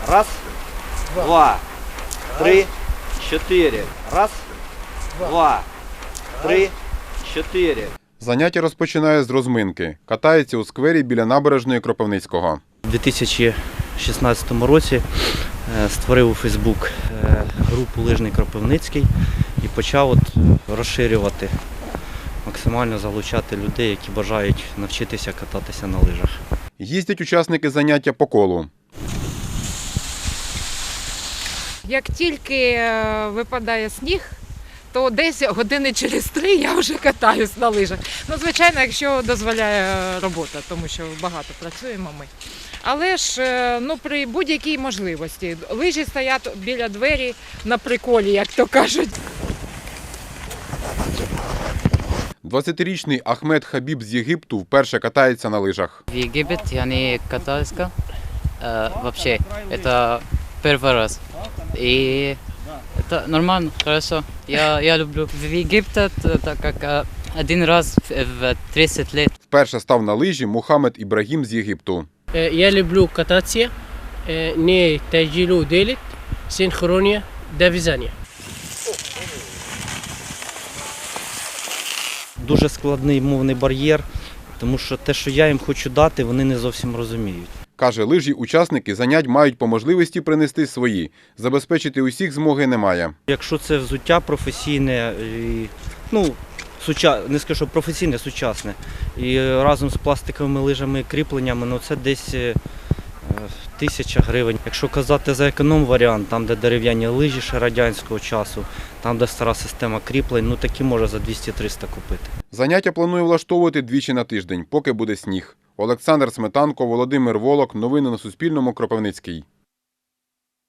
Раз, два, три, чотири. Раз, два, три, чотири. Заняття розпочинає з розминки. Катається у сквері біля набережної Кропивницького. У 2016 році створив у Фейсбук групу «Лижний Кропивницький» і почав розширювати, максимально залучати людей, які бажають навчитися кататися на лижах. Їздять учасники заняття по колу. Як тільки випадає сніг, то десь години через 3 я вже катаюсь на лижах. Ну, звичайно, якщо дозволяє робота, тому що багато працюємо ми. Але ж при будь-якій можливості. Лижі стоять біля двері на приколі, як то кажуть. 20-річний Ахмед Хабіб з Єгипту вперше катається на лижах. В Египет я не катался вообще. Это первый раз. И это нормально, хорошо. Я люблю. В Египте так как один раз в 30 лет. Вперше став на лижі Мухаммед Ібрагім з Єгипту. Я люблю кататися, не тяжело делать, синхронія, дов'язання. Дуже складний мовний бар'єр, тому що те, що я їм хочу дати, вони не зовсім розуміють. Каже, лижі учасники занять мають по можливості принести свої. Забезпечити усіх змоги немає. Якщо це взуття професійне, не скажу, що професійне, сучасне, і разом з пластиковими лижами і кріпленнями, це десь 1000 гривень. Якщо казати за економ-варіант, там де дерев'яні лижі ще радянського часу, там де стара система кріплень, такі може за 200-300 купити. Заняття планує влаштовувати двічі на тиждень, поки буде сніг. Олександр Сметанко, Володимир Волок. Новини на Суспільному. Кропивницький.